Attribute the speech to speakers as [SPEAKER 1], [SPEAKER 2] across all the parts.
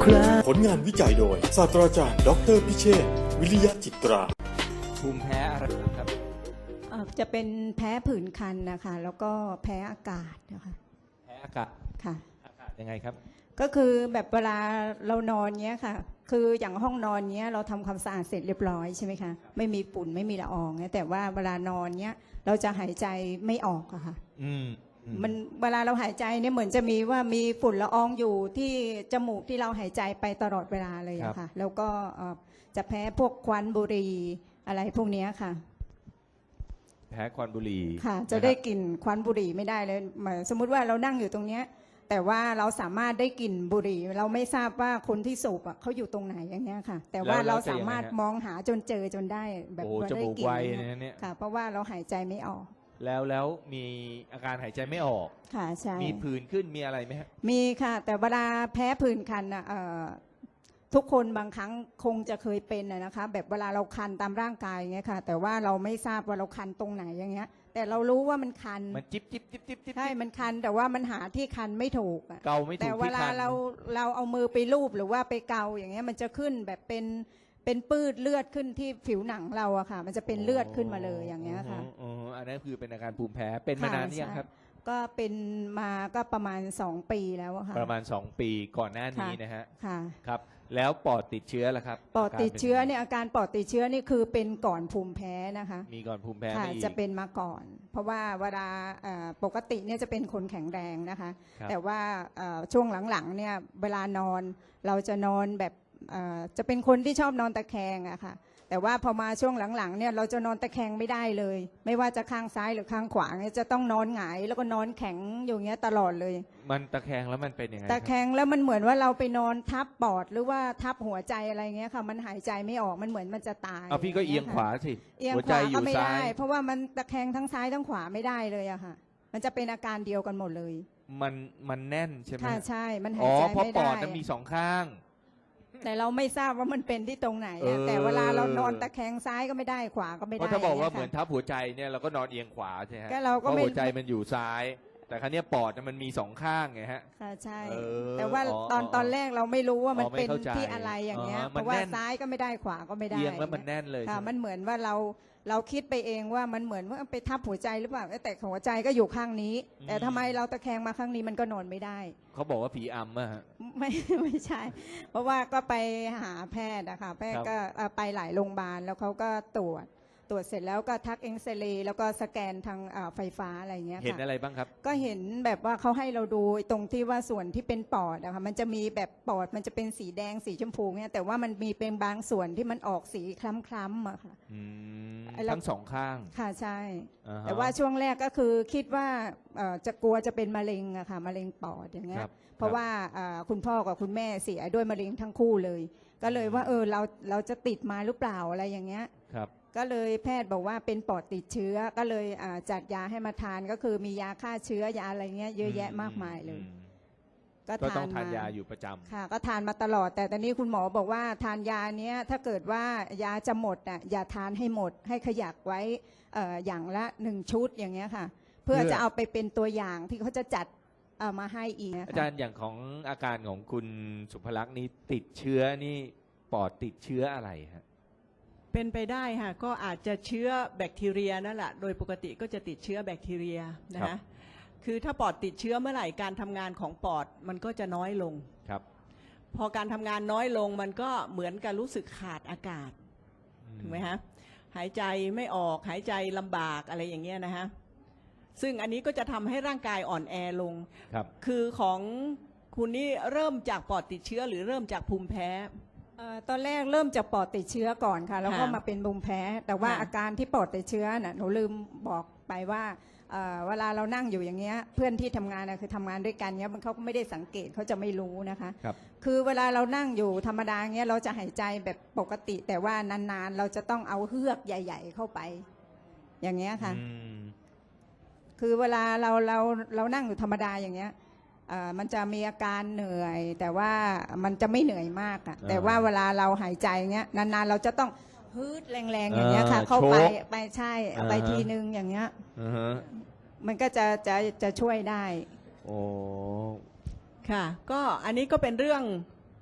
[SPEAKER 1] ครา
[SPEAKER 2] ผลงานวิจัยโดยศาสตราจารย์ดออเตอร์พิเชษฐ์วิริยะจิตรา
[SPEAKER 3] ภูมิแพ้อะไรครับ
[SPEAKER 4] จะเป็นแพ้ผื่นคันนะคะแล้วก็แพ้อากาศนะคะ
[SPEAKER 3] แพ้อากาศ
[SPEAKER 4] ค่ะ
[SPEAKER 3] อากาศยังไงครับ
[SPEAKER 4] ก็คือแบบเวลาเรานอนเงี้ยค่ะคืออย่างห้องนอนเงี้ยเราทำความสะอาดเสร็จเรียบร้อยใช่ไหมคะไม่มีฝุ่นไม่มีละอองเงี้ยแต่ว่าเวลานอนเงี้ยเราจะหายใจไม่ออกอะค่ะมันเวลาเราหายใจเนี่ยเหมือนจะมีว่ามีฝุ่นละอองอยู่ที่จมูกที่เราหายใจไปตลอดเวลาเลยอะค่ะแล้วก็จะแพ้พวกควันบุหรี่อะไรพวกนี้ค่ะ
[SPEAKER 3] แพ้ควันบุหรี่
[SPEAKER 4] ค่ะจะได้กลิ่นควันบุหรี่ไม่ได้เลยสมมุติว่าเรานั่งอยู่ตรงเนี้ยแต่ว่าเราสามารถได้กลิ่นบุหรี่เราไม่ทราบว่าคนที่สูบอ่ะเขาอยู่ตรงไหนอย่างเงี้ยค่ะแต่ว่าเราสามารถมองหาจนเจอจนได้แบบว่าได้กลิ่นค่ะเพราะว่าเราหายใจไม่ออก
[SPEAKER 3] แล้วมีอาการหายใจไม่ออก
[SPEAKER 4] ค่ะใช่
[SPEAKER 3] มีผื่นขึ้นมีอะไรไหมครับ
[SPEAKER 4] มีค่ะแต่เวลาแพ้ผื่นคันอ่ะทุกคนบางครั้งคงจะเคยเป็นนะคะแบบเวลาเราคันตามร่างกายอย่างเงี้ยค่ะแต่ว่าเราไม่ทราบว่าเราคันตรงไหนอย่างเงี้ยแต่เรารู้ว่ามันคัน
[SPEAKER 3] มันจิ๊บจิ๊บจิ๊บจิ๊บ
[SPEAKER 4] ใช่มันคันแต่ว่ามันหาที่คันไม่ถูก
[SPEAKER 3] เกาไม่ถูก
[SPEAKER 4] แต่เวลาเราเอามือไปลูบหรือว่าไปเกาอย่างเงี้ยมันจะขึ้นแบบเป็นปื้ดเลือดขึ้นที่ผิวหนังเราอะค่ะมันจะเป็นเลือดขึ้นมาเลยอย่างเงี้ยค่ะ
[SPEAKER 3] อันนั้นคือเป็นอาการภูมิแพ้เป็นมานานหรือยังครับ
[SPEAKER 4] ก็เป็นมาก็ประมาณ2 ปีแล้วค่ะ
[SPEAKER 3] ประมาณ2 ปีก่อนหน้านี้นะฮะ
[SPEAKER 4] ค่ะ
[SPEAKER 3] ครับแล้วปอดติดเชื้อล่ะครับ
[SPEAKER 4] ปอดติดเชื้อเนี่ยอาการปอดติดเชื้อนี่คือเป็นก่อนภูมิแพ้นะคะ
[SPEAKER 3] มีก่อนภูมิแพ้
[SPEAKER 4] ค่ะจะเป็นมาก่อนเพราะว่าเวลาปกติเนี่ยจะเป็นคนแข็งแรงนะคะแต่ว่าช่วงหลังๆเนี่ยเวลานอนเราจะนอนแบบจะเป็นคนที่ชอบนอนตะแคงอะค่ะแต่ว่าพอมาช่วงหลังๆเนี่ยเราจะนอนตะแคงไม่ได้เลยไม่ว่าจะข้างซ้ายหรือข้างขวาเนี่ยจะต้องนอนหงายแล้วก็นอนแข็งอย่างเงี้ยตลอดเลย
[SPEAKER 3] มันตะแคงแล้วมันเป็นยังไง
[SPEAKER 4] ตะแคงแล้วมันเหมือนว่าเราไปนอนทับปอดหรือว่าทับหัวใจอะไรเงี้ยค่ะมันหายใจไม่ออกมันเหมือนมันจะตาย
[SPEAKER 3] พี่ก็เอียงขวาสิ
[SPEAKER 4] เอียงขวาก็ไม่ได้เพราะว่ามันตะแคงทั้งซ้ายทั้งขวาไม่ได้เลยอะค่ะมันจะเป็นอาการเดียวกันหมดเลย
[SPEAKER 3] มันแน่นใช่ไหม
[SPEAKER 4] ค่ะใช่มันหายใจไม่ได้
[SPEAKER 3] เพราะปอดมันมี2ข้าง
[SPEAKER 4] แต่เราไม่ทราบว่ามันเป็นที่ตรงไหนแต่เวลาเรานอนตะแคงซ้ายก็ไม่ได้ขวาก็ไม่ได้เพ
[SPEAKER 3] ราะถ้าบอกว่าเหมือนทับหัวใจเนี่ยเราก็นอนเอียงขวาใช่ไหมเพราะหัวใจมันอยู่ซ้ายแต่ครั้งนี้ปอดมันมี2ข้างไงฮะ
[SPEAKER 4] ค่ะใช่แต่ว่าตอนแรกเราไม่รู้ว่ามันเป็นที่อะไรอย่างเงี้ยเพราะว่าซ้ายก็ไม่ได้ขวาก็ไม่ได้
[SPEAKER 3] เอียงแล้วมันแน่นเลย
[SPEAKER 4] ค่ะมันเหมือนว่าเราคิดไปเองว่ามันเหมือนว่าไปทับหัวใจหรือเปล่าแต่หัวใจก็อยู่ข้างนี้แต่ทำไมเราตะแคงมาข้างนี้มันก็นอนไม่ได้
[SPEAKER 3] เขาบอกว่าผีอำอะฮะ
[SPEAKER 4] ไม่ใช่เพราะว่าก็ไปหาแพทย์นะคะแพทย์ก็ไปหลายโรงพยาบาลแล้วเขาก็ตรวจเสร็จแล้วก็ทักเอ็กซเรย์แล้วก็สแกนทางไฟฟ้าอะไรเงี้ยค่ะ
[SPEAKER 3] เห็นอะไรบ้างครับ
[SPEAKER 4] ก็เห็นแบบว่าเขาให้เราดูตรงที่ว่าส่วนที่เป็นปอดนะคะมันจะมีแบบปอดมันจะเป็นสีแดงสีชมพูเนี่ยแต่ว่ามันมีเป็นบางส่วนที่มันออกสีคล้ำๆอะค่ะ
[SPEAKER 3] ทั้ง2ข้าง
[SPEAKER 4] ค่ะใช่แต่ว่าช่วงแรกก็คือคิดว่าจะกลัวจะเป็นมะเร็งอะค่ะมะเร็งปอดอย่างเงี้ยเพราะว่าคุณพ่อกับคุณแม่เสียด้วยมะเร็งทั้งคู่เลยก็เลยว่าเราจะติดมาหรือเปล่าอะไรอย่างเงี้ยก็เลยแพทย์บอกว่าเป็นปอดติดเชื้อก็เลยจัดยาให้มาทานก็คือมียาฆ่าเชื้อยาอะไรเงี้ยเยอะแยะมากมายเลย
[SPEAKER 3] ก็ต้องทานยาอยู่ประจำ
[SPEAKER 4] ค่ะก็ทานมาตลอดแต่ตอนนี้คุณหมอบอกว่าทานยาเนี้ยถ้าเกิดว่ายาจะหมดอ่ะอย่าทานให้หมดให้ขยักไว้อย่างละ1 ชุดอย่างเงี้ยค่ะเพื่อจะเอาไปเป็นตัวอย่างที่เขาจะจัดมาให้อีก
[SPEAKER 3] อาจารย์อย่างของอาการของคุณสุภลักษณ์นี้ติดเชื้อนี่ปอดติดเชื้ออะไรฮะ
[SPEAKER 5] เป็นไปได้ค่ะก็อาจจะเชื้อแบคทีเรียนั่นแหละโดยปกติก็จะติดเชื้อแบคทีเรียนะคือถ้าปอดติดเชื้อเมื่อไหร่การทำงานของปอดมันก็จะน้อยลง
[SPEAKER 3] ครับ
[SPEAKER 5] พอการทำงานน้อยลงมันก็เหมือนกับรู้สึกขาดอากาศถูกไหมฮะหายใจไม่ออกหายใจลำบากอะไรอย่างเงี้ยนะฮะซึ่งอันนี้ก็จะทำให้ร่างกายอ่อนแอลงคือของคุณนี่เริ่มจากปอดติดเชื้อหรือเริ่มจากภูมิแพ้
[SPEAKER 4] ตอนแรกเริ่มจากปอดติดเชื้อก่อนค่ะแล้วก็มาเป็นภูมิแพ้แต่ว่าอาการที่ปอดติดเชื้อน่ะหนูลืมบอกไปว่าเวลาเรานั่งอยู่อย่างเงี้ยเพื่อนที่ทำงานคือทำงานด้วยกันเงี้ยมันเขาก็ไม่ได้สังเกตเขาจะไม่รู้นะคะคือเวลาเรานั่งอยู่ธรรมดาเงี้ยเราจะหายใจแบบปกติแต่ว่านานๆเราจะต้องเอาเฮือกใหญ่ๆเข้าไปอย่างเงี้ยค่ะคือเวลาเรานั่งอยู่ธรรมดาอย่างเงี้ยมันจะมีอาการเหนื่อยแต่ว่ามันจะไม่เหนื่อยมากอ่ะแต่ว่าเวลาเราหายใจเงี้ยนานๆเราจะต้องฮึดแรงๆอย่างเงี้ยค่ะเข้าไปใช่ไปทีนึงอย่างเงี้ยมันก็จะช่วยได้
[SPEAKER 3] โอ้
[SPEAKER 5] ค่ะก็อันนี้ก็เป็นเรื่อง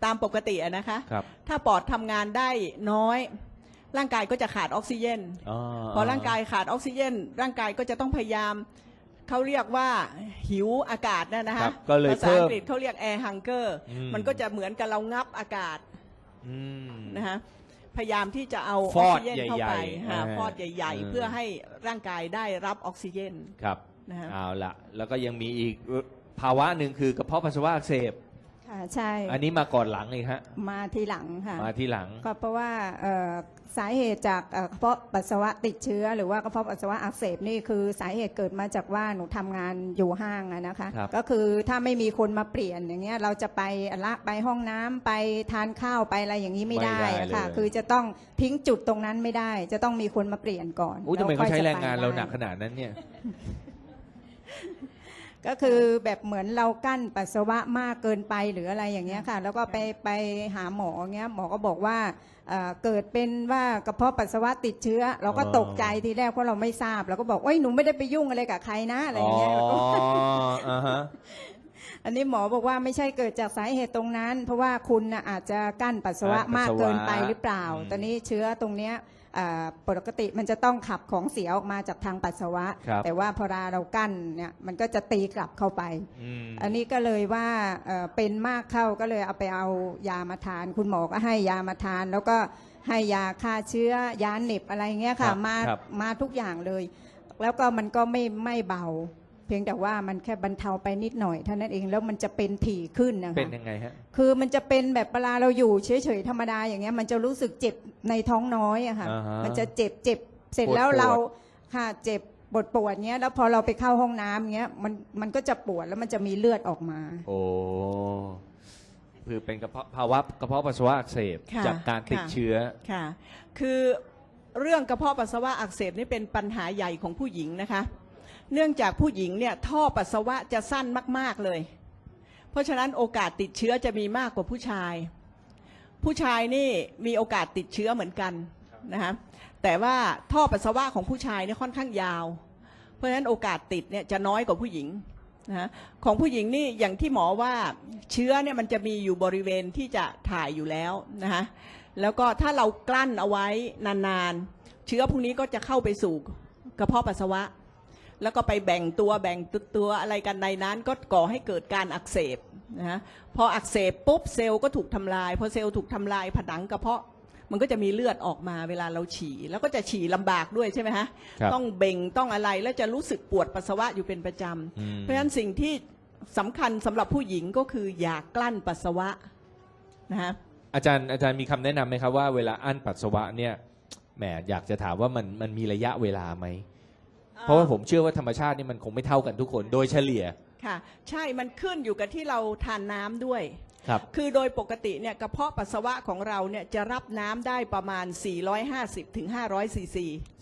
[SPEAKER 5] ตามปกติอะนะคะ
[SPEAKER 3] ครับ
[SPEAKER 5] ถ้าปอดทำงานได้น้อยร่างกายก็จะขาดออกซิเจน พอร่างกายขาดออกซิเจนร่างกายก็จะต้องพยายามเขาเรียกว่าหิวอากาศนะ
[SPEAKER 3] ค
[SPEAKER 5] คะ
[SPEAKER 3] รับก็เลย
[SPEAKER 5] ภาษา
[SPEAKER 3] เพิ่
[SPEAKER 5] อั
[SPEAKER 3] ม
[SPEAKER 5] งกฤษเขาเรียก air hunger มันก็จะเหมือนกับเรางับอากาศ
[SPEAKER 3] อืม
[SPEAKER 5] นะคะพยายามที่จะเอาอ
[SPEAKER 3] ฟ
[SPEAKER 5] อก
[SPEAKER 3] อด
[SPEAKER 5] ซิเจนเข้าไป
[SPEAKER 3] ใหญ่ๆ
[SPEAKER 5] หา
[SPEAKER 3] อ่า
[SPEAKER 5] ฟอดใหญ่ ๆ เพื่อให้ร่างกายได้รับออกซิเจน
[SPEAKER 3] ครับ
[SPEAKER 5] นะฮะ
[SPEAKER 3] เอาละแล้วก็ยังมีอีกภาวะหนึ่งคือกระเพาะปัสสาวะอักเสบ
[SPEAKER 4] ค่ะใช่
[SPEAKER 3] อันนี้มาก่อนหลังเลยฮะ
[SPEAKER 4] มาทีหลังค่ะ
[SPEAKER 3] มาที่หลัง
[SPEAKER 4] ก็เพราะว่าสาเหตุจากกระเพาะปัสสาวะติดเชื้อ หรือว่ากระเพาะปัสสาวะอักเสบนี่คือสาเหตุเกิดมาจากว่าหนูทำงานอยู่ห้างอะนะคะ
[SPEAKER 3] ครับ
[SPEAKER 4] ก็คือถ้าไม่มีคนมาเปลี่ยนอย่างเงี้ยเราจะไปไปห้องน้ำไปทานข้าวไปอะไรอย่างนี้ไม่ได้อะค่ะ คือจะต้องทิ้งจุดตรงนั้นไม่ได้ จะต้องมีคนมาเปลี่ยนก่อน
[SPEAKER 3] อุ้ยทำไมเขาใช้แรงงานเราหนัก
[SPEAKER 4] ได้
[SPEAKER 3] ขนาดนั้นเนี่ย
[SPEAKER 4] ก็คือแบบเหมือนเรากั้นปัสสาวะมากเกินไปหรืออะไรอย่างเงี้ยค่ะ แล้วก็ไปหาหมอเงี้ยหมอก็บอกว่าเกิดเป็นว่ากระเพาะปัสสาวะติดเชื้อ เราก็ตกใจทีแรกเพราะเราไม่ทราบเราก็บอกเอ้ยหนูไม่ได้ไปยุ่งอะไรกับใครนะอะไรอย่างเงี้ยแล้วก็
[SPEAKER 3] อ่าฮะ
[SPEAKER 4] อันนี้หมอบอกว่าไม่ใช่เกิดจากสาเหตุตรงนั้น เพราะว่าคุณน่ะอาจจะกั้นปัสสาวะมากเกินไปหรือเปล่า ตอนนี้เชื้อตรงเนี้ยปกติมันจะต้องขับของเสียออกมาจากทางปัสสาวะ
[SPEAKER 3] ครับ
[SPEAKER 4] แต่ว่าพอเรากั้นเนี่ยมันก็จะตีกลับเข้าไป
[SPEAKER 3] อืม
[SPEAKER 4] อันนี้ก็เลยว่าเป็นมากเข้าก็เลยเอาไปเอายามาทาน คุณหมอก็ให้ยามาทาน แล้วก็ให้ยาฆ่าเชื้อยาเหน็บอะไรเงี้ย
[SPEAKER 3] ครั
[SPEAKER 4] ค่ะ
[SPEAKER 3] บ
[SPEAKER 4] มา
[SPEAKER 3] ครับ
[SPEAKER 4] มาทุกอย่างเลย แล้วก็มันก็ไม่เบา เพียงแต่ว่ามันแค่บรรเทาไปนิดหน่อยเท่านั้นเองแล้วมันจะเป็นถี่ขึ้นนะคะ
[SPEAKER 3] เป็นยังไงฮะ
[SPEAKER 4] คือมันจะเป็นแบบเวลาเราอยู่เฉยๆธรรมดาอย่างเงี้ยมันจะรู้สึกเจ็บในท้องน้อยอะค่ะ
[SPEAKER 3] อ่าฮะ
[SPEAKER 4] มันจะเจ็บเสร็จแล้ว
[SPEAKER 3] ปวด
[SPEAKER 4] เราค่ะเจ็บปวดเงี้ยแล้วพอเราไปเข้าห้องน้ำเงี้ยมันก็จะปวดแล้วมันจะมีเลือดออกมา
[SPEAKER 3] โอ้คือเป็นภาวะกระเพาะปัสสาวะอักเสบ
[SPEAKER 5] ค่ะ
[SPEAKER 3] จากการติด
[SPEAKER 5] ค่ะ
[SPEAKER 3] เชื้อ
[SPEAKER 5] ค่ะ คือเรื่องกระเพาะปัสสาวะอักเสบนี่เป็นปัญหาใหญ่ของผู้หญิงนะคะ เนื่องจากผู้หญิงเนี่ยท่อปัสสาวะจะสั้นมากๆเลย เพราะฉะนั้นโอกาสติดเชื้อจะมีมากกว่าผู้ชาย ผู้ชายนี่มีโอกาสติดเชื้อเหมือนกันนะคะแต่ว่าท่อปัสสาวะของผู้ชายเนี่ยค่อนข้างยาว เพราะฉะนั้นโอกาสติดเนี่ยจะน้อยกว่าผู้หญิงนะของผู้หญิงนี่อย่างที่หมอว่าเชื้อเนี่ยมันจะมีอยู่บริเวณที่จะถ่ายอยู่แล้วนะคะแล้วก็ถ้าเรากลั้นเอาไว้นานๆเชื้อพวกนี้ก็จะเข้าไปสู่กระเพาะปัสสาวะ แล้วก็ไปแบ่งตัวอะไรกันในนั้นก็ก่อให้เกิดการอักเสบนะฮะพออักเสบปุ๊บเซลล์ก็ถูกทำลายพอเซลล์ถูกทำลายผนังกระเพาะมันก็จะมีเลือดออกมาเวลาเราฉี่แล้วก็จะฉี่ลำบากด้วยใช่ไหมฮะ
[SPEAKER 3] ครับ
[SPEAKER 5] ต้องเบ่งต้องอะไรแล้วจะรู้สึกปวดปัสสาวะอยู่เป็นประจ
[SPEAKER 3] อืม
[SPEAKER 5] ำเพราะฉะนั้นสิ่งที่สำคัญสำหรับผู้หญิงก็คืออย่ากลั้นปัสสาวะนะฮะ
[SPEAKER 3] อาจารย์มีคำแนะนำไหมครับว่าเวลาอั้นปัสสาวะเนี่ยแหมอยากจะถามว่ามันมีระยะเวลาไหม เพราะว่าผมเชื่อว่าธรรมชาตินี่มันคงไม่เท่ากันทุกคนโดยเฉลี่ย
[SPEAKER 5] ค่ะใช่มันขึ้นอยู่กับที่เราทานน้ำด้วย
[SPEAKER 3] ครับ
[SPEAKER 5] คือโดยปกติเนี่ยกระเพาะปัสสาวะของเราเนี่ยจะรับน้ำได้ประมาณ 450 ถึง 500 ซีซี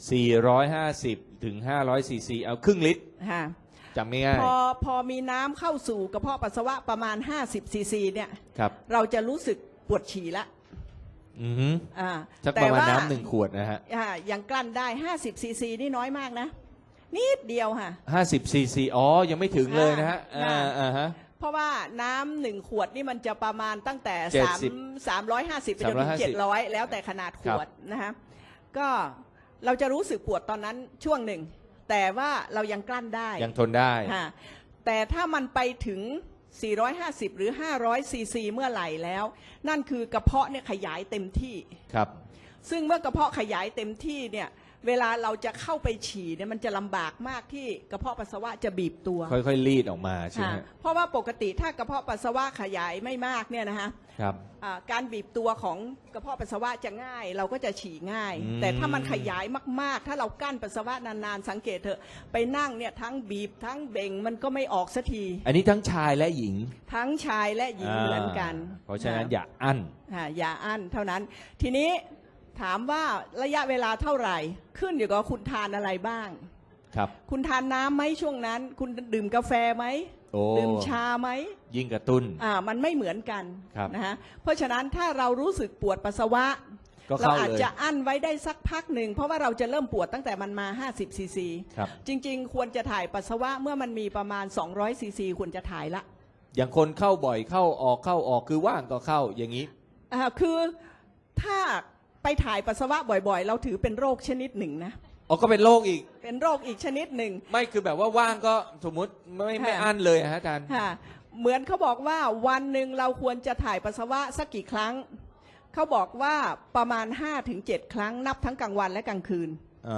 [SPEAKER 3] 450 ถึง 500 ซีซี เอาครึ่งลิตร
[SPEAKER 5] ค่ะ
[SPEAKER 3] จำง่าย
[SPEAKER 5] พอมีน้ำเข้าสู่กระเพาะปัสสาวะประมาณ 50 ซีซีเนี่ย
[SPEAKER 3] ๆครับ
[SPEAKER 5] เราจะรู้สึกปวดฉี่ละ
[SPEAKER 3] อือฮึ
[SPEAKER 5] อ่า
[SPEAKER 3] สักประมาณน้ำหนึ่งขวดนะฮะ
[SPEAKER 5] ยังกลั้นได้ 50 ซีซีนี่น้อยมากนะ นิดเดียวค่ะ
[SPEAKER 3] 50 ซีซี อ๋อ ยังไม่ถึงเลยนะฮะ
[SPEAKER 5] อ่า
[SPEAKER 3] อ่าฮะ
[SPEAKER 5] เพราะว่าน้ำหนึ่งขวดนี่มันจะประมาณตั้งแต่ 350ไปจนถึง
[SPEAKER 3] 350
[SPEAKER 5] 700 แล้วแต่ขนาดขวดนะคะก็เราจะรู้สึกปวดตอนนั้นช่วงหนึ่ง แต่ว่าเรายังกลั้นได้
[SPEAKER 3] ยังทนได้
[SPEAKER 5] ค่ะแต่ถ้ามันไปถึง 450 หรือ 500 ซีซีเมื่อไหร่แล้ว นั่นคือกระเพาะเนี่ยขยายเต็มที่
[SPEAKER 3] ครับ
[SPEAKER 5] ซึ่งเมื่อกระเพาะขยายเต็มที่เนี่ยเวลาเราจะเข้าไปฉี่เนี่ยมันจะลำบากมากที่กระเพาะปัสสาวะจะบีบตัว
[SPEAKER 3] ค่อยๆรีดออกมาใช่ไหม
[SPEAKER 5] ค่ะ
[SPEAKER 3] ฮะ
[SPEAKER 5] เพราะว่าปกติถ้ากระเพาะปัสสาวะขยายไม่มากเนี่ยนะคะ
[SPEAKER 3] ครับ
[SPEAKER 5] การบีบตัวของกระเพาะปัสสาวะจะง่าย เราก็จะฉี่ง่าย
[SPEAKER 3] อืม
[SPEAKER 5] แต่ถ้ามันขยายมากๆ ถ้าเรากั้นปัสสาวะนานๆสังเกตเถอะไปนั่งเนี่ยทั้งบีบทั้งเบ่งมันก็ไม่ออกสักที
[SPEAKER 3] อันนี้ทั้งชายและหญิง
[SPEAKER 5] ทั้งชายและหญิงเหมือนกัน
[SPEAKER 3] เพราะฉะนั้นอย่าอั้น
[SPEAKER 5] อย่าอั้นเท่านั้น ทีนี้ถามว่าระยะเวลาเท่าไหร่ ขึ้นอยู่กับคุณทานอะไรบ้าง
[SPEAKER 3] ครับ
[SPEAKER 5] คุณทานน้ำไหมช่วงนั้น คุณดื่มกาแฟไหม
[SPEAKER 3] โอ้
[SPEAKER 5] ดื่มชาไหม
[SPEAKER 3] ยิ่งกระตุ้น
[SPEAKER 5] มันไม่เหมือนกัน
[SPEAKER 3] ครับ
[SPEAKER 5] นะฮะเพราะฉะนั้นถ้าเรารู้สึกปวดปัสสาวะ
[SPEAKER 3] ก็
[SPEAKER 5] เรา
[SPEAKER 3] เข้า
[SPEAKER 5] อาจ
[SPEAKER 3] เลย
[SPEAKER 5] จะอั้นไว้ได้สักพักหนึ่งเพราะว่าเราจะเริ่มปวดตั้งแต่มันมา50 ซีซี
[SPEAKER 3] ครับ
[SPEAKER 5] จริงๆ ควรจะถ่ายปัสสาวะเมื่อมันมีประมาณ200 ซีซีควรจะถ่ายละ
[SPEAKER 3] อย่างคนเข้าบ่อยเข้าออกคือว่างก็เข้าอย่างนี้
[SPEAKER 5] คือถ้าไปถ่ายปัสสาวะบ่อยๆ เราถือเป็นโรคชนิดหนึ่งนะ
[SPEAKER 3] อ๋อก็เป็นโรคอีก
[SPEAKER 5] เป็นโรคอีกชนิดหนึ่ง
[SPEAKER 3] ไม่คือแบบว่าว่างก็สมมุติไม่อั้นเลยฮะอาจารย์
[SPEAKER 5] ค่ะเหมือนเขาบอกว่าวันหนึ่งเราควรจะถ่ายปัสสาวะสักกี่ครั้งเขาบอกว่าประมาณ 5-7 ครั้งนับทั้งกลางวันและกลางคืน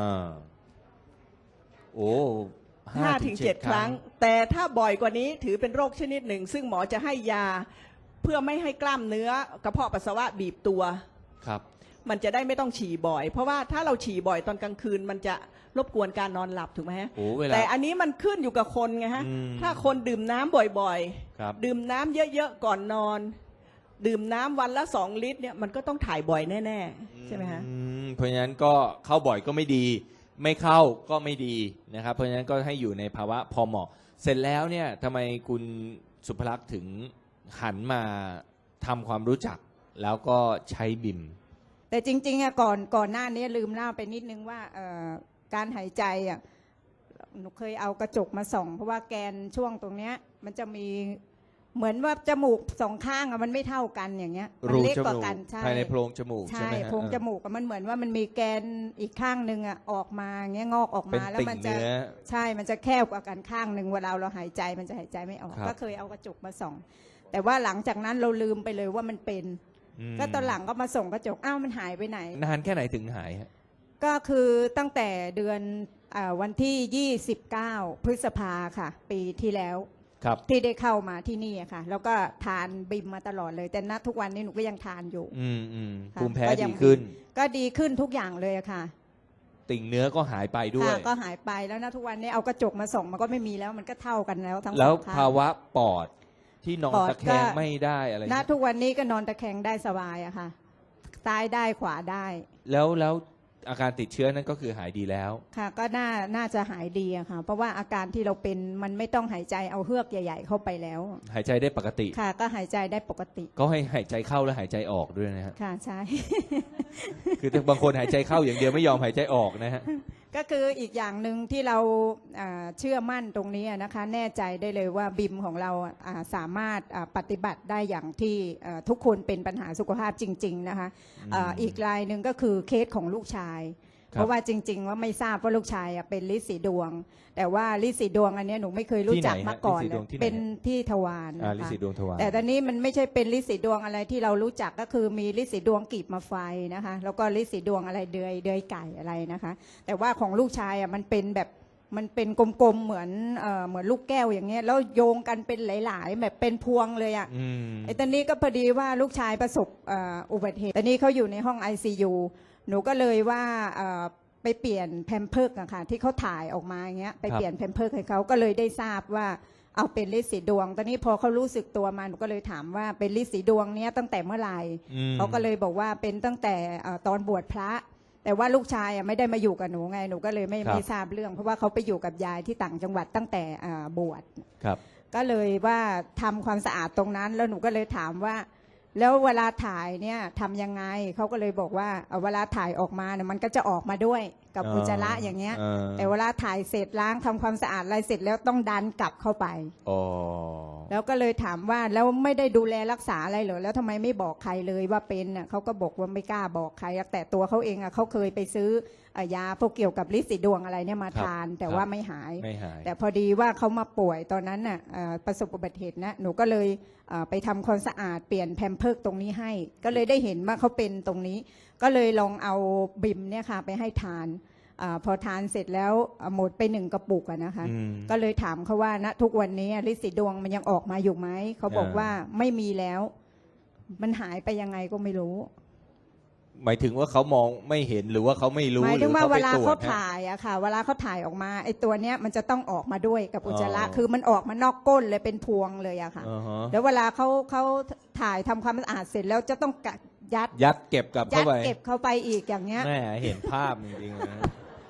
[SPEAKER 3] โอ้
[SPEAKER 5] 5-7 ครั้ง แต่ถ้าบ่อยกว่านี้ถือเป็นโรคชนิดหนึ่งซึ่งหมอจะให้ยาเพื่อไม่ให้กล้ามเนื้อกระเพาะปัสสาวะบีบตัว
[SPEAKER 3] ครับ
[SPEAKER 5] มันจะได้ไม่ต้องฉี่บ่อย เพราะว่าถ้าเราฉี่บ่อยตอนกลางคืนมันจะรบกวนการนอนหลับถูกไหมฮะ
[SPEAKER 3] โอ้เวลา
[SPEAKER 5] แต่อันนี้มันขึ้นอยู่กับคนไงฮะ
[SPEAKER 3] อืม
[SPEAKER 5] ถ้าคนดื่มน้ำบ่อย
[SPEAKER 3] ครับ
[SPEAKER 5] ดื่มน้ำเยอะๆก่อนนอน ดื่มน้ำวันละ2 ลิตรเนี่ยมันก็ต้องถ่ายบ่อยแน่ๆใช่ไหมฮะ
[SPEAKER 3] เพราะฉะนั้นก็เข้าบ่อยก็ไม่ดี ไม่เข้าก็ไม่ดีนะครับ เพราะฉะนั้นก็ให้อยู่ในภาวะพอเหมาะ เสร็จแล้วเนี่ยทำไมคุณสุภลักษณ์ถึงหันมาทำความรู้จักแล้วก็ใช้บิม
[SPEAKER 4] แต่จริงๆอะก่อนหน้านี้ลืมเล่าไปนิดนึงว่าการหายใจอะหนูเคยเอากระจกมาส่อง เพราะว่าแกนช่วงตรงเนี้ยมันจะมีเหมือนว่าจมูก2 ข้างอะมันไม่เท่ากันอย่างเงี้ยมั
[SPEAKER 3] รู
[SPEAKER 4] เล็ก
[SPEAKER 3] จ
[SPEAKER 4] กว่า
[SPEAKER 3] มูก
[SPEAKER 4] กันใช่
[SPEAKER 3] ภายในโพรงจมูกใช่
[SPEAKER 4] ใช่
[SPEAKER 3] ไหมฮะ
[SPEAKER 4] โพรงจมูกอะมันเหมือนว่ามันมีแกนอีกข้างหนึ่งอะออกมาเงี้ยงอกออก
[SPEAKER 3] เป็น
[SPEAKER 4] มาแล้ว
[SPEAKER 3] ติ่ง
[SPEAKER 4] มันจะ
[SPEAKER 3] เนื้อ
[SPEAKER 4] ใช่มันจะแคบกว่ากันข้างหนึ่งเวลาเราหายใจมันจะหายใจไม่ออก
[SPEAKER 3] ครับ
[SPEAKER 4] ก็เคยเอากระจกมาส่อง แต่ว่าหลังจากนั้นเราลืมไปเลยว่ามันเป็น
[SPEAKER 3] ม
[SPEAKER 4] ก็ตอนหลังก็มาส่งกระจกอ้าวมันหายไปไหน
[SPEAKER 3] นานแค่ไหนถึงหายฮะ
[SPEAKER 4] ก็คือตั้งแต่เดือนวันที่ 29 พฤษภาค่ะ ปีที่แล้ว
[SPEAKER 3] ครับ
[SPEAKER 4] ที่ได้เข้ามาที่นี่อะค่ะ แล้วก็ทานบิมมาตลอดเลย แต่ณทุกวันนี้หนูก็ยังทานอยู่ ค่ะ
[SPEAKER 3] ภูมิแพ้
[SPEAKER 4] ก็ยั
[SPEAKER 3] ดี
[SPEAKER 4] ง
[SPEAKER 3] ขึ้น
[SPEAKER 4] ก็ดีขึ้นทุกอย่างเลยอะค่ะ
[SPEAKER 3] ติ่งเนื้อก็หายไปด้วย
[SPEAKER 4] ค่ะก็หายไปแล้วณทุกวันนี้เอากระจกมาส่องมันก็ไม่มีแล้วมันก็เท่ากันแล้วทั้งส
[SPEAKER 3] แล้ว
[SPEAKER 4] องข้าง
[SPEAKER 3] ภาวะปอดที่นอน
[SPEAKER 4] ปอด
[SPEAKER 3] ตะแคง
[SPEAKER 4] ก็
[SPEAKER 3] ไม่ได้อะไร
[SPEAKER 4] ณ
[SPEAKER 3] เงี้ย
[SPEAKER 4] ทุกวันนี้ก็นอนตะแคงได้สบายอะค่ะซ้ายได้ขวาได้
[SPEAKER 3] แล้วอาการติดเชื้อนั้นก็คือหายดีแล้ว
[SPEAKER 4] ค่ะก็น่าจะหายดีอะค่ะ เพราะว่าอาการที่เราเป็นมันไม่ต้องหายใจเอาเฮือกใหญ่ ๆ เข้าไปแล้ว
[SPEAKER 3] หายใจได้ปกติ
[SPEAKER 4] ค่ะ ก็หายใจได้ปกติ
[SPEAKER 3] ก็ให้หายใจเข้าและหายใจออกด้วยนะฮะ
[SPEAKER 4] ค่ะใช่
[SPEAKER 3] คือบางคนหายใจเข้าอย่างเดียวไม่ยอมหายใจออกนะฮะ
[SPEAKER 4] ก็คืออีกอย่างหนึ่งที่เราเชื่อมั่นตรงนี้นะคะ แน่ใจได้เลยว่าบิมของเราสามารถปฏิบัติได้อย่างที่ทุกคนเป็นปัญหาสุขภาพจริง ๆนะคะ อีกรายหนึ่งก็คือเคสของลูกชาย
[SPEAKER 3] ครับ
[SPEAKER 4] เพราะว่าจริง ๆ ว่าไม่ทราบว่าลูกชายเป็นลินสีดวง แต่ว่าลินสีดวงอันเนี้ยหนูไม่เคยรู้จักมาก่อน
[SPEAKER 3] ที่ไหน
[SPEAKER 4] เล
[SPEAKER 3] ฮะ
[SPEAKER 4] ย
[SPEAKER 3] ลินสีดวงที่ไหน
[SPEAKER 4] เป็นที่ทวาร
[SPEAKER 3] ลิ
[SPEAKER 4] นะคะ
[SPEAKER 3] สีดวงทวาร
[SPEAKER 4] แต่ตอนนี้มันไม่ใช่เป็นลินสีดวงอะไรที่เรารู้จักก็คือมีลินสีดวงกีบมาไฟนะคะ แล้วก็ลินสีดวงอะไรเดือยไก่อะไรนะคะ แต่ว่าของลูกชายมันเป็นแบบมันเป็นกลมๆเหมือนลูกแก้วอย่างเงี้ยแล้วโยงกันเป็นหลายๆ แบบเป็นพวงเลยอ่ะ ไอ้ตอนนี้ก็พอดีว่าลูกชายประสบอุบัติเหตุตอนนี้เขาอยู่ในห้อง ICU หนูก็เลยว่าไปเปลี่ยนแพมเพิร์กอะค่ะที่เขาถ่ายออกมาอย่างเงี้ยไปเปลี่ยนแพมเพิร์กให้เขาก็เลยได้ทราบว่าเอาเป็นลินสีดวง ตอนนี้พอเขารู้สึกตัวมาหนูก็เลยถามว่าเป็นลินสีดวงเนี้ยตั้งแต่เมื่อไหร่เขาก็เลยบอกว่าเป็นตั้งแต่ตอนบวชพระ แต่ว่าลูกชายไม่ได้มาอยู่กับหนูไงหนูก็เลยไม่ทราบเรื่อง เพราะว่าเขาไปอยู่กับยายที่ต่างจังหวัดตั้งแต่บวช
[SPEAKER 3] ครับ
[SPEAKER 4] ก็เลยว่าทำความสะอาดตรงนั้นแล้วหนูก็เลยถามว่า แล้วเวลาถ่ายเนี่ยทำยังไงเขาก็เลยบอกว่าเวลาถ่ายออกมาเนี่ยมันก็จะออกมาด้วยกับอุจจาระอย่างเงี้ย แต่เวลาถ่ายเสร็จล้างทำความสะอาดอะไรเสร็จแล้วต้องดันกลับเข้าไป
[SPEAKER 3] อ๋อ
[SPEAKER 4] แล้วก็เลยถามว่าแล้วไม่ได้ดูแลรักษาอะไรเหรอแล้วทำไมไม่บอกใครเลยว่าเป็นน่ะเขาก็บอกว่าไม่กล้าบอกใครแต่ตัวเขาเองเขาเคยไปซื้อยาพวกเกี่ยวกับลินสีดวงอะไรเนี่ยมาทาน แต่ว่าไม่หาย
[SPEAKER 3] ไม่หาย
[SPEAKER 4] แต่พอดีว่าเขามาป่วยตอนนั้นน่ะประสบอุบัติเหตุนะหนูก็เลยไปทำความสะอาดเปลี่ยนแพมเพิร์กตรงนี้ให้ ก็เลยได้เห็นว่าเขาเป็นตรงนี้ ก็เลยลองเอาบิมเนี่ยค่ะไปให้ทานพอทานเสร็จแล้วหมดไป1 กระปุกนะคะ ก็เลยถามเขาว่าณทุกวันนี้ลินสีดวงมันยังออกมาอยู่ไหมเขาบอกว่าไม่มีแล้ว มันหายไปยังไงก็ไม่รู้
[SPEAKER 3] หมายถึงว่าเขามองไม่เห็นหรือว่าเขาไม่รู้
[SPEAKER 4] หมาย
[SPEAKER 3] หรื
[SPEAKER 4] ถึ
[SPEAKER 3] อง
[SPEAKER 4] ว่า
[SPEAKER 3] เขา
[SPEAKER 4] เว
[SPEAKER 3] ไป
[SPEAKER 4] ลา
[SPEAKER 3] ตรว
[SPEAKER 4] เขา
[SPEAKER 3] จฮะ
[SPEAKER 4] ถ่ายอะค่ะ เวลาเขาถ่ายออกมาไอ้ตัวเนี้ยมันจะต้องออกมาด้วยกับอุจจาระ
[SPEAKER 3] อ๋อ
[SPEAKER 4] คือมันออกมานอกก้นเลยเป็นพวงเลยอะค่ะ
[SPEAKER 3] อ่าฮะ
[SPEAKER 4] แล้วเวลาเขาถ่ายทำความสะอาดเสร็จแล้วจะต้อง
[SPEAKER 3] ยัดเก็บกลับ
[SPEAKER 4] ยั
[SPEAKER 3] เข้า
[SPEAKER 4] ด
[SPEAKER 3] ไป
[SPEAKER 4] เก็บเข้าไปอีกอย่างเงี้ย
[SPEAKER 3] แม่เห็นภาพจริงๆนะ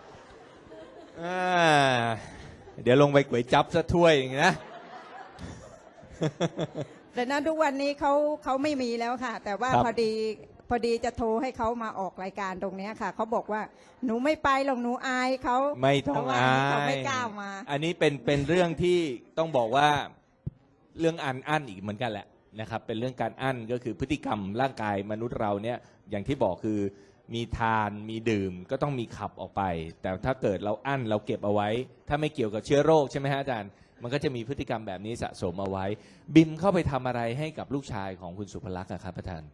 [SPEAKER 3] เดี๋ยวลงไปก๋วยจั๊บซะถ้วยอย่างนี้นะ
[SPEAKER 4] แต่นั้นทุกวันนี้เขาไม่มีแล้วค่ะ แต่ว่า
[SPEAKER 3] ครับ
[SPEAKER 4] พอดีจะโทรให้เขามาออกรายการตรงเนี้ยค่ะเขาบอกว่าหนูไม่ไปหรอกหนูอายเขา
[SPEAKER 3] ไม่ต้อง
[SPEAKER 4] เพระว่
[SPEAKER 3] อา
[SPEAKER 4] เขา
[SPEAKER 3] ย
[SPEAKER 4] ไม่กล้ามา
[SPEAKER 3] อันนี้เป็นเรื่องที่ต้องบอกว่าเรื่องอั้นอีกเหมือนกันแหละนะครับเป็นเรื่องการอั้นก็คือพฤติกรรมร่างกายมนุษย์เราเนี่ยอย่างที่บอกคือมีทานมีดื่มก็ต้องมีขับออกไปแต่ถ้าเกิดเราอั้นเราเก็บเอาไว้ถ้าไม่เกี่ยวกับเชื้อโรคใช่ไหมฮะอาจารย์มันก็จะมีพฤติกรรมแบบนี้สะสมเอาไว้บิมเข้าไปทำอะไรให้กับลูกชายของคุณสุภลักษณ์ครับอาจารย์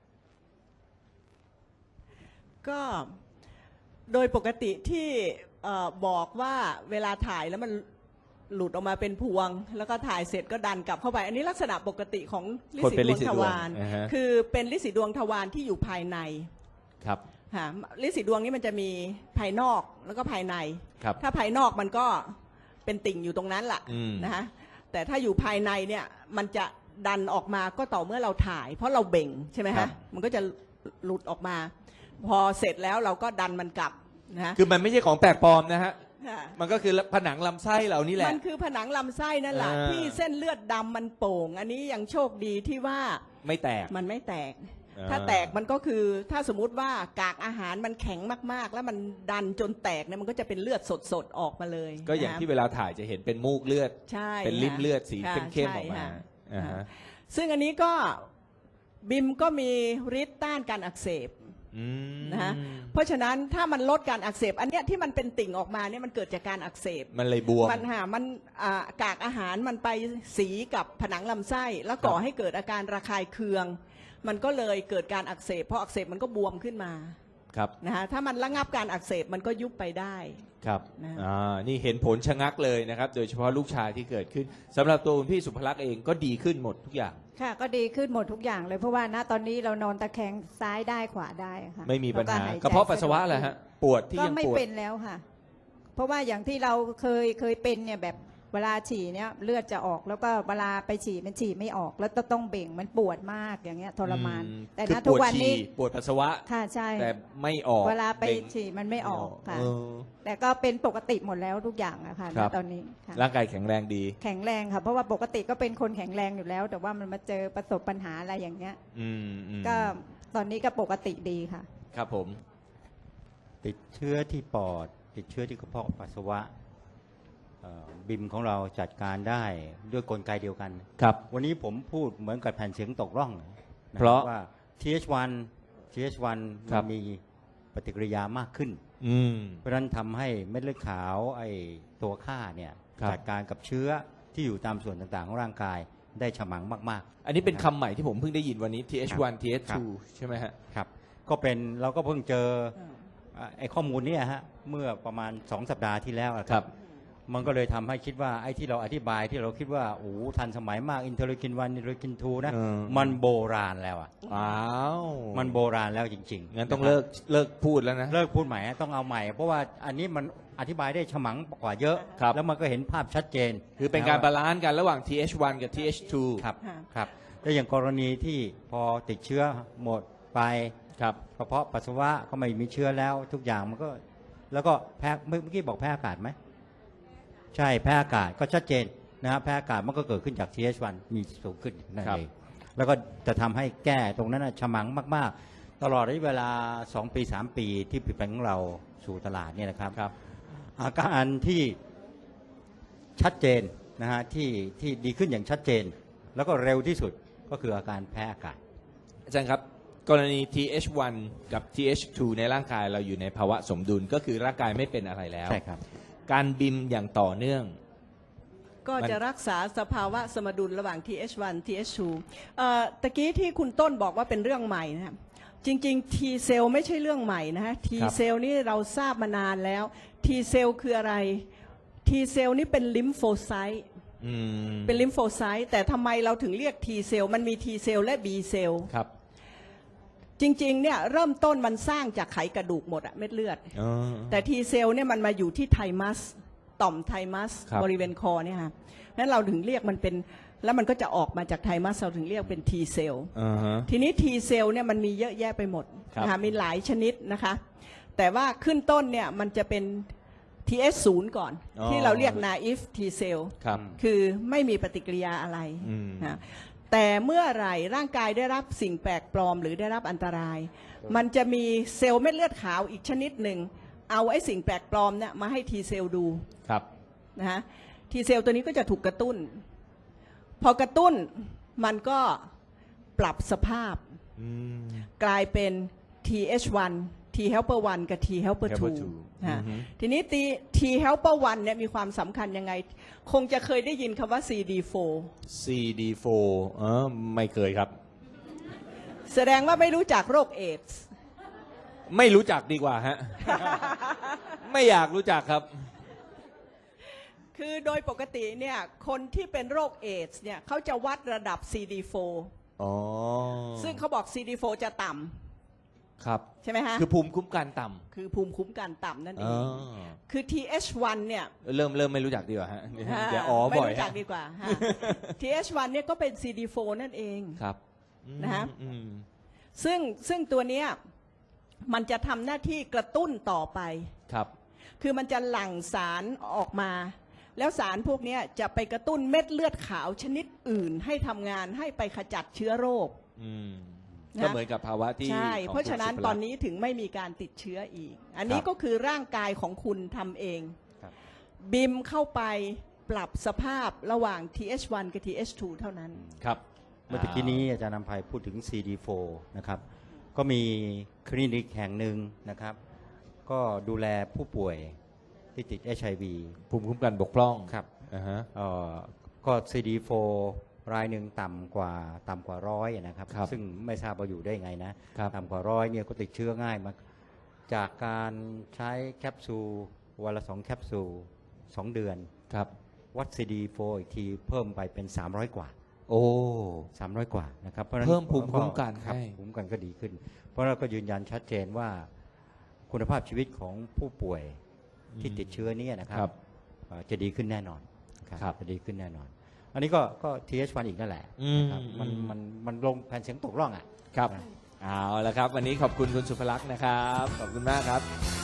[SPEAKER 5] ก็โดยปกติที่บอกว่าเวลาถ่ายแล้วมันหลุดออกมาเป็นพวง แล้วก็ถ่ายเสร็จก็ดันกลับเข้าไป อันนี้ลักษณะปกติของลิ
[SPEAKER 3] คน
[SPEAKER 5] สี
[SPEAKER 3] เป็น
[SPEAKER 5] ด
[SPEAKER 3] ลิ
[SPEAKER 5] วง
[SPEAKER 3] สี
[SPEAKER 5] ท
[SPEAKER 3] ดวง
[SPEAKER 5] วาร
[SPEAKER 3] อ่าฮะ
[SPEAKER 5] คือเป็นลิสีดวงทวารที่อยู่ภายใน
[SPEAKER 3] ครับ
[SPEAKER 5] ค่ะลิสีดวงนี้มันจะมีภายนอกแล้วก็ภายใน
[SPEAKER 3] ครับ
[SPEAKER 5] ถ้าภายนอกมันก็เป็นติ่งอยู่ตรงนั้นแหละ
[SPEAKER 3] อืม
[SPEAKER 5] นะคะแต่ถ้าอยู่ภายในเนี่ยมันจะดันออกมาก็ต่อเมื่อเราถ่าย เพราะเราเบ่งใช่ไหม
[SPEAKER 3] ครั
[SPEAKER 5] ฮะ
[SPEAKER 3] บ
[SPEAKER 5] มันก็จะหลุดออกมา พอเสร็จแล้วเราก็ดันมันกลับนะ
[SPEAKER 3] คือมันไม่ใช่ของแปลกปลอมนะฮะ
[SPEAKER 5] ค่ะ
[SPEAKER 3] มันก็คือผนังลำไส้เรานี่แหละ
[SPEAKER 5] มันคือผนังลำไส้นั่นแหละ
[SPEAKER 3] อ่า
[SPEAKER 5] ที่เส้นเลือดดำมันโป่ง อันนี้ยังโชคดีที่ว่า
[SPEAKER 3] ไม่แตก
[SPEAKER 5] มันไม่แตก
[SPEAKER 3] อ่า
[SPEAKER 5] ถ้าแตกมันก็คือถ้าสมมุติว่ากากอาหารมันแข็งมากๆ แล้วมันดันจนแตกเนี่ยมันก็จะเป็นเลือดสดๆออกมาเลย
[SPEAKER 3] ก็อย่าง
[SPEAKER 5] นะ
[SPEAKER 3] ที่เวลาถ่ายจะเห็นเป็นมูกเลือด
[SPEAKER 5] ใช่
[SPEAKER 3] เป็นริ่มเลือดสี
[SPEAKER 5] ค่ะ
[SPEAKER 3] เข้มๆอ
[SPEAKER 5] ใช่
[SPEAKER 3] อกมา
[SPEAKER 5] ค่ะ
[SPEAKER 3] อ่าฮะ
[SPEAKER 5] ซึ่งอันนี้ก็บิมก็มีฤทธิ์ต้านการอักเสบ
[SPEAKER 3] อืม
[SPEAKER 5] นะฮะเพราะฉะนั้นถ้ามันลดการอักเสบอันเนี้ยที่มันเป็นติ่งออกมาเนี่ยมันเกิดจากการอักเสบ
[SPEAKER 3] มันเลยบวม
[SPEAKER 5] มันกากอาหารมันไปสีกับผนังลำไส้ แล้วก่อ
[SPEAKER 3] ครับ
[SPEAKER 5] ให้เกิดอาการระคายเคือง มันก็เลยเกิดการอักเสบพออักเสบมันก็บวมขึ้นมา
[SPEAKER 3] ครับ
[SPEAKER 5] นะฮะถ้ามันระงับการอักเสบมันก็ยุบไปได้
[SPEAKER 3] ครับ
[SPEAKER 5] นะ
[SPEAKER 3] นี่เห็นผลชะงักเลยนะครับ โดยเฉพาะลูกชายที่เกิดขึ้นสำหรับตัวคุณพี่สุภลักษณ์เองก็ดีขึ้นหมดทุกอย่าง
[SPEAKER 4] ค่ะก็ดีขึ้นหมดทุกอย่างเลยเพราะว่าณตอนนี้เรานอนตะแคงซ้ายได้ขวาได้ค่ะ
[SPEAKER 3] ไม่มีปัญหา
[SPEAKER 4] แล้วยใจ
[SPEAKER 3] กระเพาะปัสสาวะแหละฮะปวดที่
[SPEAKER 4] ก็
[SPEAKER 3] ยัง
[SPEAKER 4] ไม่
[SPEAKER 3] ปวด
[SPEAKER 4] เป็นแล้วค่ะ เพราะว่าอย่างที่เราเคยเป็นเนี่ยแบบเวลาฉี่เนี่ยเลือดจะออกแล้วก็เวลาไปฉี่มันฉี่ไม่ออก แล้วต้องเบ่งมันปวดมากอย่างเงี้ยทรมาน แต่
[SPEAKER 3] คือ
[SPEAKER 4] ณ
[SPEAKER 3] ป
[SPEAKER 4] ทุก
[SPEAKER 3] วด
[SPEAKER 4] วันนี้
[SPEAKER 3] ฉี่ปวดปัสสาวะ
[SPEAKER 4] ค่ะใช่
[SPEAKER 3] แต่ไม่ออก
[SPEAKER 4] เวลาไป
[SPEAKER 3] บ่ง
[SPEAKER 4] ฉี่มันไม่ออกค่ะ
[SPEAKER 3] เออ
[SPEAKER 4] แต่ก็เป็นปกติหมดแล้วทุกอย่างอะค่ะ
[SPEAKER 3] ครั
[SPEAKER 4] ณ
[SPEAKER 3] บ
[SPEAKER 4] ตอนนี้ค่ะ
[SPEAKER 3] ร่างกายแข็งแรงดี
[SPEAKER 4] แข็งแรงค่ะเพราะว่าปกติก็เป็นคนแข็งแรงอยู่แล้ว แต่ว่ามันมาเจอประสบปัญหาอะไรอย่างเงี้ย
[SPEAKER 3] อืม
[SPEAKER 4] ก็ตอนนี้ก็ปกติดีค่ะ
[SPEAKER 3] ครับผม
[SPEAKER 1] ติดเชื้อที่ปอด ติดเชื้อที่กระเพาะปัสสาวะบิมของเราจัดการได้ด้วยกลไกเดียวกัน
[SPEAKER 3] ครับ
[SPEAKER 1] วันนี้ผมพูดเหมือนกับแผ่นเสียงตกร่องน
[SPEAKER 3] เพราะ
[SPEAKER 1] ว่า TH1
[SPEAKER 3] ครั
[SPEAKER 1] มั
[SPEAKER 3] บ
[SPEAKER 1] นมีปฏิกิริยามากขึ้น
[SPEAKER 3] อืม
[SPEAKER 1] เพราะฉะนั้นทำให้เม็ดเลือดขาวไอ้ตัวฆ่าเนี่ย
[SPEAKER 3] ครับ
[SPEAKER 1] จัดการกับเชื้อที่อยู่ตามส่วนต่างๆของร่างกายได้ฉมังมาก
[SPEAKER 3] อันนี้เป็นคำใหม่ที่ผมเพิ่งได้ยินวันนี้ TH1 TH2 ใช่ไหมฮะ
[SPEAKER 1] ๆครับก็เป็นเราก็เพิ่งเจอไอ้ข้อมูลเนี้ฮะเมื่อประมาณ2 สัปดาห์ที่แล้วอะครับ มันก็เลยทำให้คิดว่าไอ้ที่เราอธิบายที่เราคิดว่าโอ้ทันสมัยมากอินเทอร์ลิกิน1อินเทอร์ลิกิน2นะ
[SPEAKER 3] เออ
[SPEAKER 1] มันโบราณแล้วอ่ะ
[SPEAKER 3] อ้าว
[SPEAKER 1] มันโบราณแล้วจริงๆ
[SPEAKER 3] งั้นต้อง
[SPEAKER 1] ะครับ
[SPEAKER 3] เลิกพูดแล้วนะ
[SPEAKER 1] เลิกพูดใหม่ฮะต้องเอาใหม่ เพราะว่าอันนี้มันอธิบายได้ฉมังกว่าเยอะ
[SPEAKER 3] ครับ
[SPEAKER 1] แล้วมันก็เห็นภาพชัดเจน
[SPEAKER 3] คือเป็นการ
[SPEAKER 1] ะ
[SPEAKER 3] บา
[SPEAKER 1] ว่
[SPEAKER 3] ลานซ์กันระหว่าง TH1 กับ TH2
[SPEAKER 1] ครับ
[SPEAKER 5] ค่ะ
[SPEAKER 1] ครับแล้วอย่างกรณีที่พอติดเชื้อหมดไป
[SPEAKER 3] ครับ
[SPEAKER 1] กระเพาะปัสสาวะก็ไม่มีเชื้อแล้วทุกอย่างมันก็แล้วก็แพ้เมื่อกี้บอกแพ้อากาศไหมใช่แพ้อากาศก็ชัดเจนนะครับแพ้อากาศมันก็เกิดขึ้นจาก TH1 มีสูงขึ้นนั่น
[SPEAKER 3] ครับ
[SPEAKER 1] เองแล้วก็จะทำให้แก้ตรงนั้นนะฉมังมากๆ ตลอดระยะเวลา2 ปี 3 ปีที่ผลิตภัณฑ์ของเราสู่ตลาดเนี่ยนะครับ
[SPEAKER 3] ครับ
[SPEAKER 1] อาการที่ชัดเจนนะฮะที่ดีขึ้นอย่างชัดเจน แล้วก็เร็วที่สุดก็คืออาการแพ้อากาศ
[SPEAKER 3] อาจารย์ครับ กรณี TH1 กับ TH2 ในร่างกายเราอยู่ในภาวะสมดุลก็คือร่างกายไม่เป็นอะไรแล้ว
[SPEAKER 1] ใช่ครับ
[SPEAKER 3] การบิมอย่างต่อเนื่อง
[SPEAKER 5] ก็จะรักษาสภาวะสมดุลระหว่าง TH1 TH2 ตะกี้ที่คุณต้นบอกว่าเป็นเรื่องใหม่นะครับจริงๆ T เซลไม่ใช่เรื่องใหม่นะฮะ T เซลนี่เราทราบมานานแล้ว T เซลคืออะไร T เซลนี่เป็นลิมโฟไซต์
[SPEAKER 3] อืม
[SPEAKER 5] เป็นลิมโฟไซต์แต่ทำไมเราถึงเรียก T เซลมันมี T เซลและ B เซล
[SPEAKER 3] ครับ
[SPEAKER 5] จริงๆเนี่ยเริ่มต้นมันสร้างจากไขกระดูกหมดอะเม็ดเลือด
[SPEAKER 3] อ๋อ
[SPEAKER 5] แต่ T เซลเนี่ยมันมาอยู่ที่ไทมัสต่อมไทมัส
[SPEAKER 3] ครับ
[SPEAKER 5] บริเวณคอเนี่ยค่ะนั้นเราถึงเรียกมันเป็นแล้วมันก็จะออกมาจากไทมัสเราถึงเรียกเป็น T เซล
[SPEAKER 3] อ่าฮะ
[SPEAKER 5] ทีนี้ T เซลเนี่ยมันมีเยอะแยะไปหมด
[SPEAKER 3] ครับ
[SPEAKER 5] นะคะมีหลายชนิดนะคะ แต่ว่าขึ้นต้นเนี่ยมันจะเป็น TH0 ก่อน ที่เราเรียก naive T เซล
[SPEAKER 3] ครับ
[SPEAKER 5] คือไม่มีปฏิกิริยาอะไร
[SPEAKER 3] อืม
[SPEAKER 5] นะแต่เมื่อไหร่ร่างกายได้รับสิ่งแปลกปลอมหรือได้รับอันตราย มันจะมีเซลล์เม็ดเลือดขาวอีกชนิดหนึ่งเอาไอ้สิ่งแปลกปลอมเนี่ยมาให้ T เซลดู
[SPEAKER 3] ครับ
[SPEAKER 5] นะฮะ T เซลตัวนี้ก็จะถูกกระตุ้น พพอกระตุ้นมันก็ปรับสภาพ
[SPEAKER 3] อืม
[SPEAKER 5] กลายเป็น TH1 T helper 1 กับ T helper
[SPEAKER 3] helper
[SPEAKER 5] 2
[SPEAKER 3] 2
[SPEAKER 5] ฮะ
[SPEAKER 3] อือฮึ
[SPEAKER 5] ทีนี้ T helper 1เนี่ยมีความสำคัญยังไง คงจะเคยได้ยินคำว่า CD4
[SPEAKER 3] CD4 ไม่เคยครับ
[SPEAKER 5] แสดงว่าไม่รู้จักโรคเอดส์
[SPEAKER 3] ไม่รู้จักดีกว่าฮะ ไม่อยากรู้จักครับ
[SPEAKER 5] คือโดยปกติเนี่ยคนที่เป็นโรคเอดส์เนี่ยเขาจะวัดระดับ CD4
[SPEAKER 3] อ๋อ
[SPEAKER 5] ซึ่งเขาบอก CD4 จะต่
[SPEAKER 3] ครับ
[SPEAKER 5] ำใช่ไหมฮะ
[SPEAKER 3] คือภูมิคุ้มกันต่
[SPEAKER 5] คือภูมิคุ้มกันต่ำนั่น
[SPEAKER 3] ำ
[SPEAKER 5] เอง คือ TH1 เนี่ย
[SPEAKER 3] เริ่มไม่รู้จักดีกว่าฮะเดี๋ยวอ๋อ
[SPEAKER 5] ไม่
[SPEAKER 3] บ่อย
[SPEAKER 5] รู้จัก
[SPEAKER 3] ฮะ
[SPEAKER 5] ดีกว่าฮะ TH1 เนี่ยก็เป็น CD4 นั่นเอง
[SPEAKER 3] ครับ
[SPEAKER 5] นะฮะ
[SPEAKER 3] อืม
[SPEAKER 5] ซึ่งตัวเนี้ยมันจะทำหน้าที่กระตุ้นต่อไป
[SPEAKER 3] ครับ
[SPEAKER 5] คือมันจะหลั่งสารออกมา แล้วสารพวกเนี้ยจะไปกระตุ้นเม็ดเลือดขาวชนิดอื่น ให้ทำงานให้ไปขจัดเชื้อโรค
[SPEAKER 3] อืม
[SPEAKER 5] นะ
[SPEAKER 3] ก็เหมือนกับภาวะที่
[SPEAKER 5] ใช่
[SPEAKER 3] ของ
[SPEAKER 5] เพราะฉะนั้น
[SPEAKER 3] คุณสุภลักษณ์
[SPEAKER 5] ตอนนี้ถึงไม่มีการติดเชื้ออีก อันนี้
[SPEAKER 3] ครับ
[SPEAKER 5] ก็คือร่างกายของคุณทำเอง
[SPEAKER 1] ครับ
[SPEAKER 5] บิมเข้าไปปรับสภาพระหว่าง TH1 กับ TH2 เท่านั้น
[SPEAKER 3] ครับ
[SPEAKER 1] เมื่อตะกี้นี้อาจารย์นำภัยพูดถึง CD4 นะครับ ก็มีคลินิกแห่งหนึ่งนะครับ ก็ดูแลผู้ป่วยที่ติด HIV
[SPEAKER 3] ภูมิคุ้มกันบกพร่อง
[SPEAKER 1] ครับ
[SPEAKER 3] อ่าฮะ
[SPEAKER 1] ก็ CD4 รายหนึ่งต่ำกว่า100นะครับ
[SPEAKER 3] ครับ
[SPEAKER 1] ซึ่งไม่ทราบว่าอยู่ได้ไงนะครับ ต่ำกว่า100เนี่ยก็ติดเชื้อง่ายมากจากการใช้แคปซูลวันละ2แคปซูล2 เดือน
[SPEAKER 3] ครับ
[SPEAKER 1] วัด CD4 อีกทีเพิ่มไปเป็น300 กว่า
[SPEAKER 3] โอ้
[SPEAKER 1] 300 กว่านะครับเพราะฉะนั้น
[SPEAKER 3] เพิ่มภูมิคุ้มกัน
[SPEAKER 1] ครับ
[SPEAKER 3] ให้
[SPEAKER 1] ภูมิคุ้มกันก็ดีขึ้น เพราะเราก็ยืนยันชัดเจนว่าคุณภาพชีวิตของผู้ป่วยที่ติดเชื้อเนี้นะครับ
[SPEAKER 3] ครับ
[SPEAKER 1] จะดีขึ้นแน่นอนครับ
[SPEAKER 3] ครับ
[SPEAKER 1] จะดีขึ้นแน่นอน อันนี้ก็ TH1 อีกนั่นแหละนะครับ
[SPEAKER 3] อืม
[SPEAKER 1] มันลงแผ่นเสียงตกร่องอ่ะ
[SPEAKER 3] ครับ เอาละครับ วันนี้ขอบคุณคุณสุภลักษณ์นะครับ ขอบคุณมากครับ